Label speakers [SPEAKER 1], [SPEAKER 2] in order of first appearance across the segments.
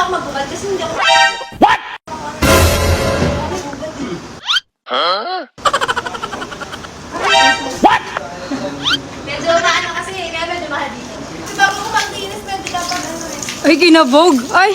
[SPEAKER 1] ako magbubad kasi hindi ako... Medyo maano kasi, kaya medyo mahal dito. Kasi bago ko mag-linis, pwede dapat ano eh.
[SPEAKER 2] Ay, kinabog. Ay,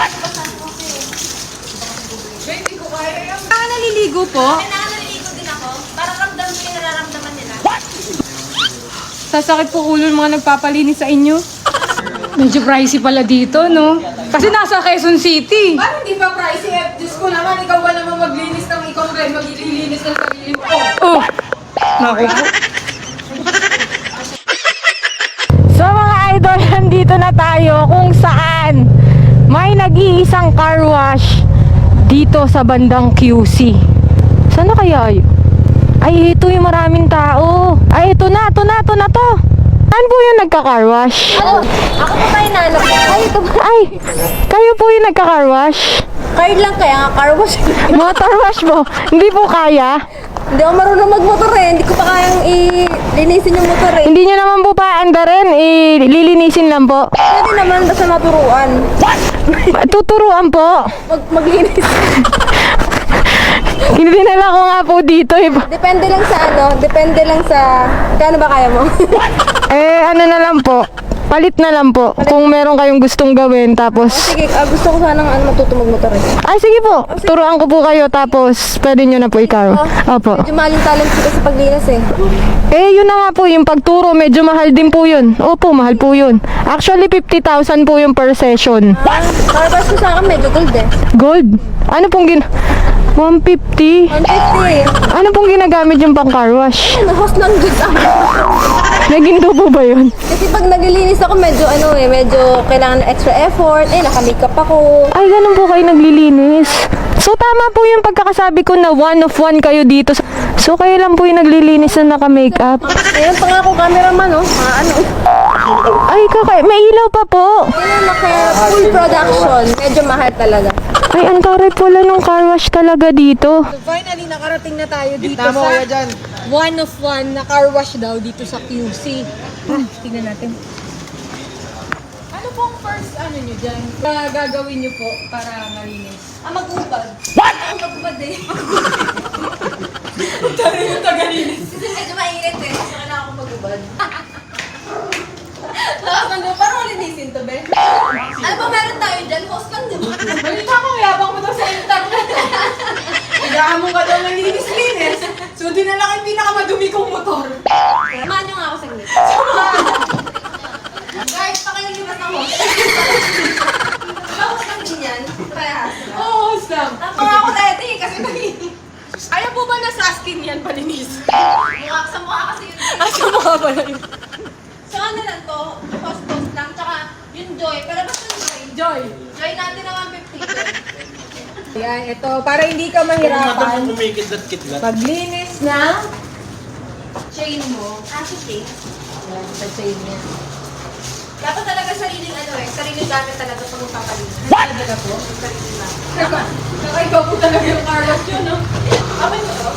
[SPEAKER 1] Baby ko kaya yung...
[SPEAKER 2] kaya naliligo po.
[SPEAKER 1] Kailangan naliligo din ako. Para ramdam ko yung nararamdaman nila.
[SPEAKER 2] Sasakit po ulo ng mga nagpapalinis sa inyo. Medyo pricey pala dito, no? Kasi nasa Quezon City.
[SPEAKER 3] Parang hindi pa pricey eh. Diyos ko naman, ikaw ba naman maglinis ng ikaw rin, maglilinis ng sarili mo.
[SPEAKER 2] Oh! Naku. So mga idol, nandito na tayo kung saan may nag-iisang car wash dito sa bandang QC. Saan na kaya yun? Ay, ito yung maraming tao. Ay, ito na to. Saan po yung nagka-car wash?
[SPEAKER 1] Ako pa tayo nanap. Ay, ito ba?
[SPEAKER 2] Ay, kayo po yung nagka-car wash?
[SPEAKER 1] Card lang kaya nga, car wash.
[SPEAKER 2] Motor wash mo? Hindi po kaya?
[SPEAKER 1] Hindi ako marunong magmotor eh. Hindi ko pa kayang linisin yung motor eh.
[SPEAKER 2] Hindi nyo naman po paanda rin, lilinisin lang po.
[SPEAKER 1] Pwede naman basta maturuan.
[SPEAKER 2] Tuturuan po.
[SPEAKER 1] Maglinis.
[SPEAKER 2] Dinala ko nga po dito eh.
[SPEAKER 1] Depende lang sa ano, depende lang sa... Kano ba kaya mo?
[SPEAKER 2] Ano na lang po. Palit na lang po. Kung meron kayong gustong gawin, tapos...
[SPEAKER 1] Sige, gusto ko sanang matuto magmotor eh.
[SPEAKER 2] Ay, sige po. Turuan ko po kayo, tapos pwede nyo na po ikaw. Opo.
[SPEAKER 1] Medyo mahal yung talent ko sa paglinis eh.
[SPEAKER 2] Yun na nga po, yung pagturo, medyo mahal din po yun. Opo, mahal po yun. Actually, 50,000 po yung per session.
[SPEAKER 1] Carbash ko sa akin medyo gold eh.
[SPEAKER 2] Gold? Ano pong 150?
[SPEAKER 1] 150.
[SPEAKER 2] Ano pong ginagamit yung pang car wash?
[SPEAKER 1] Ano, host ng goods ako.
[SPEAKER 2] Naginto po ba yun?
[SPEAKER 1] Kasi pag naglilinis ako medyo medyo kailangan ng extra effort. Naka-makeup ako.
[SPEAKER 2] Ay, ganun po kayo naglilinis. So, tama po yung pagkakasabi ko na one of one kayo dito. So, kayo lang po yung naglilinis na naka-makeup.
[SPEAKER 1] Ayun pa nga ako cameraman oh.
[SPEAKER 2] Ay, may ilaw pa po.
[SPEAKER 1] Ayun, full production. Medyo mahal talaga.
[SPEAKER 2] Ay, ang taray pala nung car wash talaga dito.
[SPEAKER 3] Finally, nakarating na tayo dito
[SPEAKER 4] Tama
[SPEAKER 3] sa
[SPEAKER 4] kaya dyan.
[SPEAKER 3] one of one na car wash daw dito sa QC. Tingnan natin. Ano pong first nyo dyan? Gagawin nyo po para malinis?
[SPEAKER 1] Mag-ubad. What? Mag-ubad eh.
[SPEAKER 3] Tayo yung tagalinis.
[SPEAKER 1] Kasi medyo mainit eh. So, kailangan ako mag-ubad. Tapos nandun, parang linisin to, be. Ano ba meron tayo dyan? Host lang, di ba?
[SPEAKER 3] Balita ko, yabang mo daw sa internet. Kailangan mo ka daw ng linis-linis. So, dinala ko yung pinakamadumi kong motor.
[SPEAKER 1] Samahan nyo nga ako saglit. Guys, pakiliwas ng host. Diba host lang din yan? Parehas.
[SPEAKER 3] Oo, Sam.
[SPEAKER 1] Tapos ako dati kasi mainit.
[SPEAKER 3] Ayaw po ba nasa skin yan palinis?
[SPEAKER 1] Mukha sa mukha kasi yun.
[SPEAKER 3] Asa mo ka pala yun?
[SPEAKER 1] So ano lang to, host lang, tsaka yung Joy. Pero basta yung Joy.
[SPEAKER 3] Joy.
[SPEAKER 1] Joy natin na 150.
[SPEAKER 3] Yan, ito. Para hindi ka mahirapan.
[SPEAKER 4] Kumikidlat-kidlat.
[SPEAKER 3] Paglinis ng
[SPEAKER 1] Chain mo. Chain.
[SPEAKER 3] Yan, sa chain niya.
[SPEAKER 1] Dapat talaga sariling sariling gamit talaga pag magpapalinis.
[SPEAKER 3] Talaga po?
[SPEAKER 1] Sariling gamit.
[SPEAKER 3] Nakaiba po talaga yung car wash yun, no?
[SPEAKER 1] Okay mo to?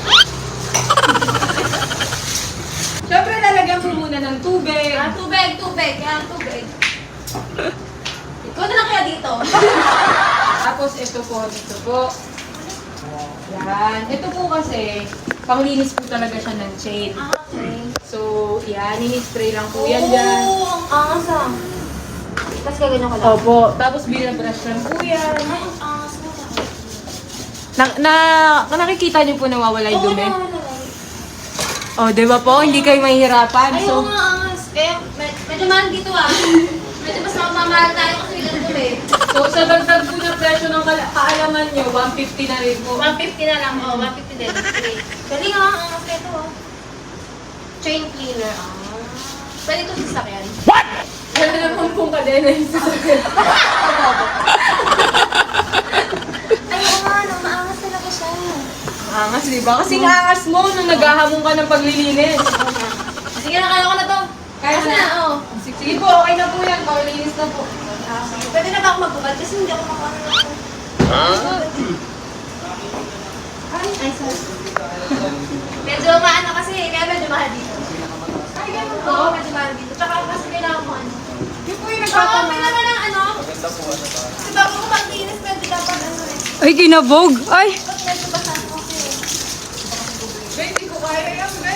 [SPEAKER 3] Siyempre, lalagyan mo muna ng tubig.
[SPEAKER 1] Tubig. Kaya tubig. Ikaw na lang kaya dito.
[SPEAKER 3] Tapos ito po. Yan. Ito po kasi, panglinis po talaga siya ng chain.
[SPEAKER 1] Okay.
[SPEAKER 3] So, yan. Ini-spray lang po yan dyan.
[SPEAKER 1] Oo, ang angas ah. Tapos gaganyan ko lang.
[SPEAKER 3] Opo. Tapos binabrush lang po yan.
[SPEAKER 1] Ay, ang angas mo.
[SPEAKER 3] Nakikita niyo po nawawala yung
[SPEAKER 1] Oo,
[SPEAKER 3] dumi?
[SPEAKER 1] nawawala.
[SPEAKER 3] Oh, di ba po? Hindi kayo mahihirapan.
[SPEAKER 1] Ay, oo nga, angas. Kaya, medyo mahal dito ah. Medyo mas mamamahal tayo kasi ganito eh.
[SPEAKER 3] So, sa dagdag po ng presyo ng kaalaman nyo, 150 na rin po.
[SPEAKER 1] 150 na lang. 150 din. Okay. Galing ah, ang angas nito ah. Chain cleaner ah. Pwede ito sasakyan.
[SPEAKER 3] Ano naman pong kadena yung sasakyan?
[SPEAKER 1] Ay, oo nga, no, maangas talaga siya.
[SPEAKER 3] Angas, di ba? Kasi angas mo nung naghahamon ka ng paglilinis.
[SPEAKER 1] Sige na, kaya ko na to.
[SPEAKER 3] Kaya
[SPEAKER 1] Kasi
[SPEAKER 3] na.
[SPEAKER 1] oo.
[SPEAKER 3] Sige po, okay na po yan. Paulinis na po.
[SPEAKER 1] Pwede na ba ako magbubad? Kasi hindi ako makakano na to. Ay, sorry. Medyo maano kasi, kaya medyo mahal dito.
[SPEAKER 3] Ay, ganun po.
[SPEAKER 1] Oo, medyo mahal dito. Tsaka kasi kailangan ko ano.
[SPEAKER 3] Yung po yung
[SPEAKER 1] Oo,
[SPEAKER 3] nagpapamas.
[SPEAKER 1] kailangan ng ano.
[SPEAKER 4] Maganda po ano ba?
[SPEAKER 1] Kasi bago
[SPEAKER 2] Ay, kinabog. Ay.
[SPEAKER 3] Hindi ko kaya yan, be.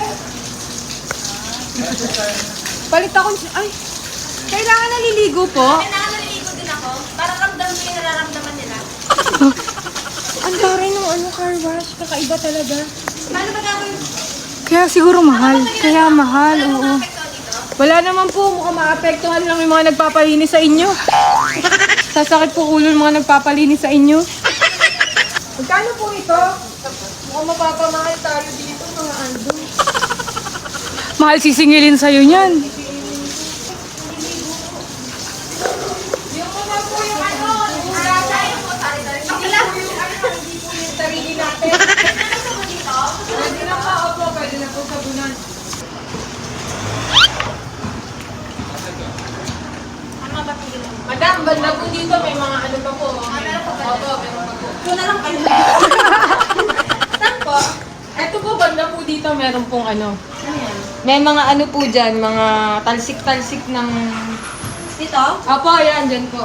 [SPEAKER 3] Palit ako. Ay, kailangan naliligo po.
[SPEAKER 1] Kailangan naliligo din ako. Para ramdam ko yung nararamdaman nila.
[SPEAKER 3] Ang dami ng car wash. Kakaiba talaga.
[SPEAKER 1] Paano ba gagawin?
[SPEAKER 2] Kaya siguro mahal. Kaya mahal,
[SPEAKER 1] Wala
[SPEAKER 2] oo.
[SPEAKER 1] mo apekto dito?
[SPEAKER 3] Wala naman po. Mukhang maapektuhan lang yung mga nagpapalinis sa inyo. Sasakit po ulo ng mga nagpapalinis sa inyo. Magkano po ito? Mukhang mapapamahal tayo dito, mga Aldo.
[SPEAKER 2] Mahal sisingilin sa'yo niyan.
[SPEAKER 3] Yung mga po yung ano, yung
[SPEAKER 1] Tayo po, sari-sari.
[SPEAKER 3] hindi po yung sarili natin.
[SPEAKER 1] Ano mo dito?
[SPEAKER 3] Pwede na pa, opo, pwede na po sabunan.
[SPEAKER 1] Ano ba tingin mo?
[SPEAKER 3] Madam, banda po dito, may mga ano pa po.
[SPEAKER 1] Meron pa ba?
[SPEAKER 3] Opo, meron pa po.
[SPEAKER 1] Doon na lang kayo. Saan po?
[SPEAKER 3] Eto po, banda po dito, meron pong ano.
[SPEAKER 1] Ano yan?
[SPEAKER 3] May mga ano po dyan, mga talsik-talsik ng...
[SPEAKER 1] Dito?
[SPEAKER 3] Opo, yan, dyan po.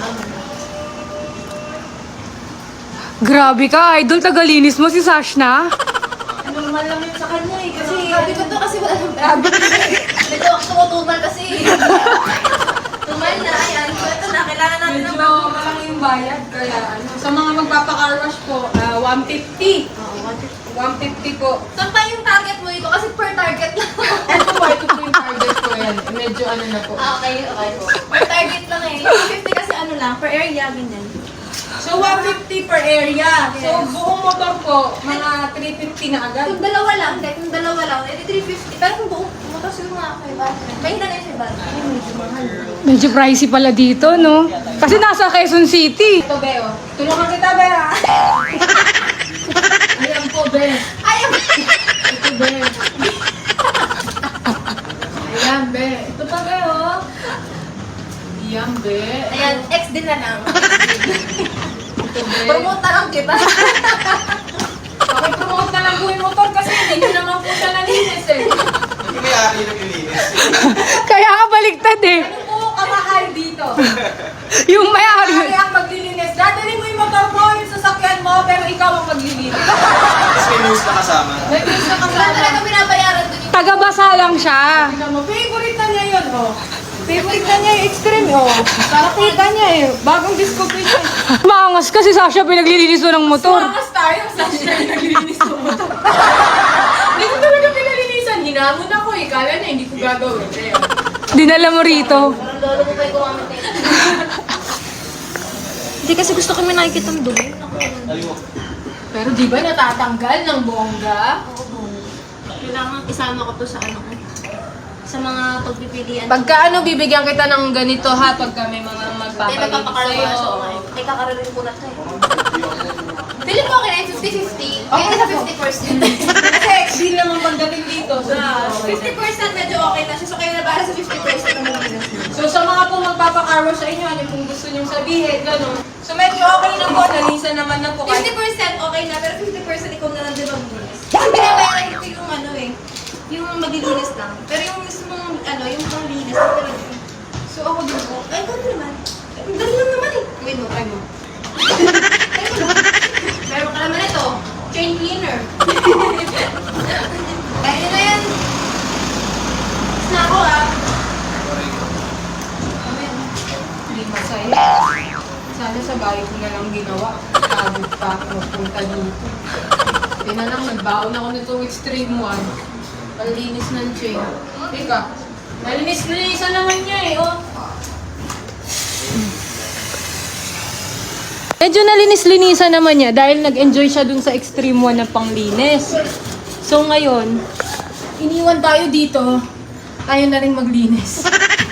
[SPEAKER 2] Grabe ka, idol. Tagalinis mo si Sash na.
[SPEAKER 3] Normal lang yun sa kanya eh, kasi...
[SPEAKER 1] Sabi ko to kasi wala nang grabe. Medyo tumutumal kasi. Tumal na. Ayan. So ito na. Kailangan natin ng
[SPEAKER 3] Medyo malaki yung bayad, kaya ano. Sa mga magpapa-car wash po, 150. 150 po.
[SPEAKER 1] Saan pa yung target mo dito? Kasi per target lang.
[SPEAKER 3] Eto po, ito po yung target ko yan. Medyo ano na po.
[SPEAKER 1] Okay. Per target lang eh. 50 kasi ano lang. Per area, ganyan.
[SPEAKER 3] So, 150 per area. So, buong motor po, mga 350 na agad.
[SPEAKER 1] Kung dalawa lang, kung dalawa lang, edi 350. Pero kung buong motor siguro mga 500. May na yung 500. Medyo mahal.
[SPEAKER 2] Medyo pricey pala dito, no? Kasi nasa Quezon City.
[SPEAKER 3] Ito, Beo. Tulungan kita, Be, ha? Ayan po, Be.
[SPEAKER 1] Ayaw!
[SPEAKER 3] Ito, Be. Ayan, Be. Ito pa, Be, oh. Ayan, Be.
[SPEAKER 1] Ayan, X din na lang.
[SPEAKER 3] Ito, Be.
[SPEAKER 1] Promote na lang kita.
[SPEAKER 3] Pakipromote na lang po yung motor kasi hindi nyo naman po siya nalinis, eh.
[SPEAKER 4] Hindi may ari na nilinis.
[SPEAKER 2] Kaya ka baliktad eh.
[SPEAKER 3] Ano po kamahal dito?
[SPEAKER 2] Yung may-ari.
[SPEAKER 3] Kaya ang maglilinis. Dadali mo yung motor mo, yung sasakyan mo, pero ikaw ang maglilinis.
[SPEAKER 4] Tapos may news na kasama.
[SPEAKER 3] May news na
[SPEAKER 1] Wala
[SPEAKER 3] kasama.
[SPEAKER 1] talaga binabayaran doon yung
[SPEAKER 2] Taga-basa lang siya.
[SPEAKER 3] Tingnan mo, favorite na niya yun, oh. Favorite na niya yung extreme, oh. Nakakita niya eh. Bagong discovery niya.
[SPEAKER 2] Maangas kasi Sasha pinaglilinis mo ng motor.
[SPEAKER 3] Tumangas tayo sa siya yung naglilinis ng motor. Hindi ko talaga pinalinisan. Hinamon ako eh. Kala niya hindi ko gagawin. Eh.
[SPEAKER 2] Dinala mo rito.
[SPEAKER 1] parang lolo ko pa yung gumamit na ito. Hindi kasi gusto kami nakikita ng dumi.
[SPEAKER 3] Pero di ba natatanggal ng bongga?
[SPEAKER 1] Oo. Kailangan isama ko to sa ano ko. Sa mga pagpipilian.
[SPEAKER 3] Pagka ano, bibigyan kita ng ganito ha, pagka may mga
[SPEAKER 1] Hindi,
[SPEAKER 3] magpapalinis
[SPEAKER 1] magpapakarwa. So,
[SPEAKER 3] sa'yo.
[SPEAKER 1] ay kakararin ko na ito eh. Feeling ko okay na yung 50-50. Kaya
[SPEAKER 3] Okay
[SPEAKER 1] sa
[SPEAKER 3] na po.
[SPEAKER 1] 50%.
[SPEAKER 3] Kasi deal naman pagdating dito. So,
[SPEAKER 1] Ah,
[SPEAKER 3] okay.
[SPEAKER 1] 50% medyo okay na siya. So, kayo na para sa 50% ang malinis na.
[SPEAKER 3] So sa mga po magpapakarwa sa inyo, ano kung gusto niyong sabihin, gano'n. So medyo okay na po, nalisan naman na po.
[SPEAKER 1] 50% okay na, pero 50% ikaw na lang din maglilinis. Kasi binabayaran ko yung ano eh, yung maglilinis lang. Pero yung mismong ano, yung panglinis, ito talaga. So ako din po, ay gano'n naman. Ang dali lang naman eh. Wait mo, try mo. Try mo lang. Meron ka naman ito, chain cleaner. Kaya na yan. Tapos na ako ah.
[SPEAKER 3] Hindi masaya. Sana sa bahay ko na lang ginawa. Pagod pa ako magpunta dito. Hindi na lang, nagbaon ako nitong extreme one. Palinis ng chain. Teka, nalinis-linisan naman niya eh, oh.
[SPEAKER 2] Medyo nalinis-linisan naman niya dahil nag-enjoy siya dun sa extreme one na panglinis. So ngayon,
[SPEAKER 3] Iniwan tayo dito. Ayaw na rin maglinis.